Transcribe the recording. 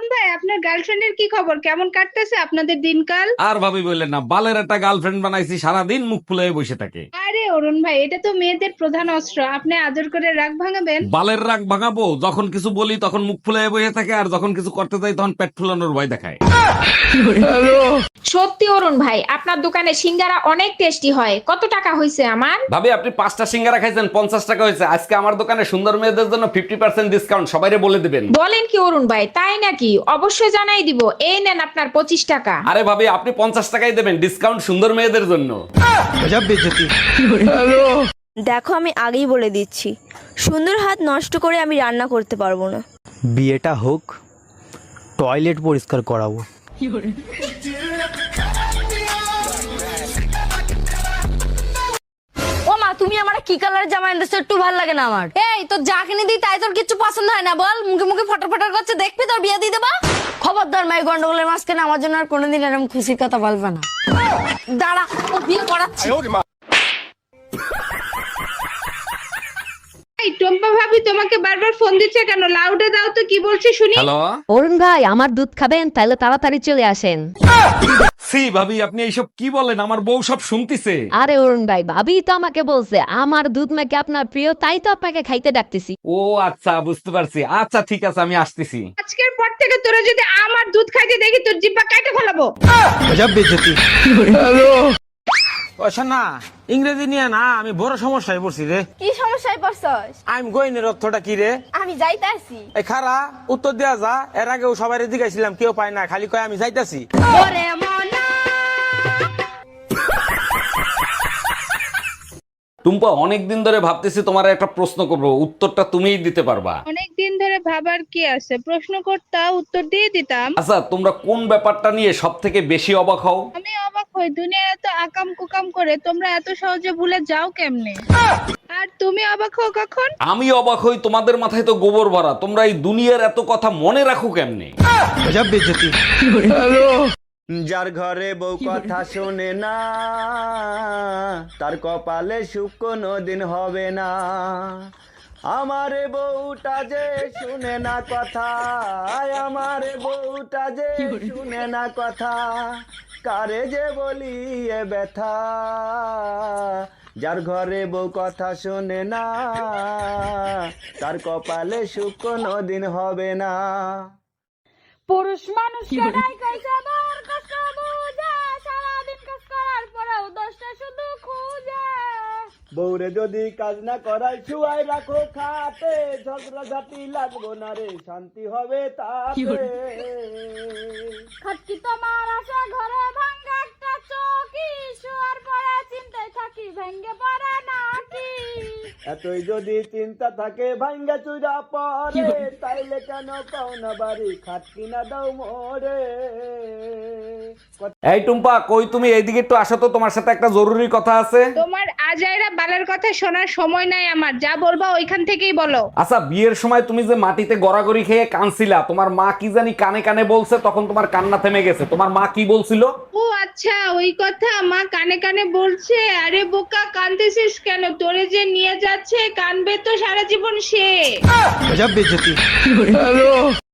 ভাই, আপনার গার্লফ্রেন্ডের কি খবর? কেমন কাটতেছে আপনাদের দিনকাল? আর ভাবি বললেন না, বালের একটা গার্লফ্রেন্ড বানাইছি, সারাদিন মুখ ফুলে বসে থাকে। আরে অরুণ ভাই, এটা তো মেয়েদের প্রধান অস্ত্র, আপনি আদর করে রাগ ভাঙাবেন? বালের রাগ ভাঙাবো? যখন কিছু বলি তখন মুখ ফুলে বসে থাকে, আর যখন কিছু করতে যাই তখন পেট ফুলানোর ভয় দেখায়। সত্যি অরুণ ভাই, আপনার দোকানে সিঙ্গারা অনেক টেস্টি হয়। কত টাকা হয়েছে আমার? ভাবি, আপনি 5টা সিঙ্গারা খাইছেন, 50 টাকা হয়েছে। আজকে আমার দোকানে সুন্দর মেয়েদের জন্য 50% ডিসকাউন্ট, সবাইরে বলে দিবেন। বলেন কি অরুণ ভাই, তাই নাকি? অবশ্যই জানাই দিব। এই নেন আপনার 25 টাকা। আরে ভাবি, আপনি 50 টাকাই দেবেন, ডিসকাউন্ট সুন্দর মেয়েদের জন্য। দেখো, আমি আগেই বলে দিচ্ছি, সুন্দর হাত নষ্ট করে আমি রান্না করতে পারবো না। বিয়েটা হোক, টয়লেট পরিষ্কার করাবো। ও মা, তুমি আমার কি কালার জামা এনেছো? একটু ভালো লাগে না আমার। এই তোর যা কিনে দিই তাই তোর কিছু পছন্দ হয় না? বল, মুখে মুখে ফটর ফটর করছে, দেখবি তোর বিয়ে দিয়ে দেবা। খবরদার মাই গন্ডগোলের মাঝখানে আমার জন্য আর কোনোদিন এরকম খুশির কথা বলবে না। দাঁড়া, ও বিয়ে করাচ্ছি। এই টম্পা ভাবি তোমাকে বারবার ফোন দিচ্ছে কেন? লাউডে দাও তো, কি বলছে শুনি। হ্যালো। অরুণ ভাই, আমার দুধ খাবেন? তাহলে তাড়াতাড়ি চলে আসেন। সি ভাবি, আপনি এইসব কি বলেন? আমার বউ সব শুনতিছে। আরে অরুণ ভাই, ভাবি তো আমাকে বলছে আমার দুধ নাকি আপনার প্রিয়, তাই তো আপনাকে খাইতে ডাকতেছি। ও আচ্ছা, বুঝতে পারছি। আচ্ছা ঠিক আছে, আমি আসতেছি। আজকের পর থেকে তোরা যদি আমার দুধ খাইতে দেখি, তোর জিব্বা কাটে ফেলাবো। ও শোনা, ইংরেজি নিয়ে না আমি বড় সমস্যায় পড়ছি রে। কি সমস্যায় পড়ছস? আই এম গোইং এর অর্থটা কি রে? আমি যাইতাছি। এই খারা উত্তর দেয়া যা। এর আগেও সবাই জিজ্ঞাসিলাম, কেউ পায় না, খালি কয় আমি যাইতাছি। ওরে মনা, টুম্পা, অনেকদিন ধরে ভাবতেছি তোমার একটা প্রশ্ন করবো, উত্তরটা তুমিই দিতে পারবা। অনেকদিন ধরে ভাবার কি আছে? প্রশ্ন করতা, উত্তর দিয়ে দিতাম। আচ্ছা, তোমরা কোন ব্যাপারটা নিয়ে সব থেকে বেশি অবাক হও? আমি অবাক হই, দুনিয়া এত আকাম কুকাম করে তোমরা এত সহজে ভুলে যাও কেমনে? আর তুমি অবাক হও কখন? আমি অবাক হই, তোমাদের মাথায় তো গোবর ভরা, তোমরা এই দুনিয়ার এত কথা মনে রাখো কেমনে? যার ঘরে বউ কথা শোনে না, তার কপালে সুখ কোনোদিন হবে না। আমারে বউটা যে শুনে না কথা, আমারে বউটা যে শুনে না কথা, কারে যে বলি এ ব্যথা। যার ঘরে বউ কথা শোনে না, তার কপালে সুখ কোনোদিন হবে না। পুরুষ মানুষ কেনাই কইছে বার কষ্ট বুঝে, সারাদিন কাজ করার পরেও দশটা শুধু খুঁজে। বউরে যদি কাজ না করাই শুয়াই রাখো খাতে, ঝগড়া ঝাঁটি লাগবো না রে, শান্তি হবে তাতে। খাটকি তোমার আছে ঘরে ভাঙ্গা একটা চৌকি, শোয়ার পরে চিন্তায় থাকি ভেঙ্গে পড়ে নাকি। এতই যদি চিন্তা থাকে ভাঙ্গা চুরা পরে, তাইলে কেন পাও না বাড়ি, খাটকি না দাও মোরে। এই টুম্পা, কই তুমি? এইদিকে একটু আসো তো, তোমার সাথে একটা জরুরি কথা আছে। তোমার আজাইরা বালের কথা শোনার সময় নাই আমার, যা বলবা ওইখান থেকেই বলো। আচ্ছা, বিয়ের সময় তুমি যে মাটিতে গড়াগড়ি খেয়ে কানছিলা, তোমার মা কি জানি কানে কানে বলছে, তখন তোমার কান্না থেমে গেছে। তোমার মা কি বলছিল? ও আচ্ছা, ওই কথা মা কানে কানে বলছে। আরে বোকা, কানতেছিস কেন? তোরে যে নিয়ে যাচ্ছে, কানবে তো সারা জীবন সে।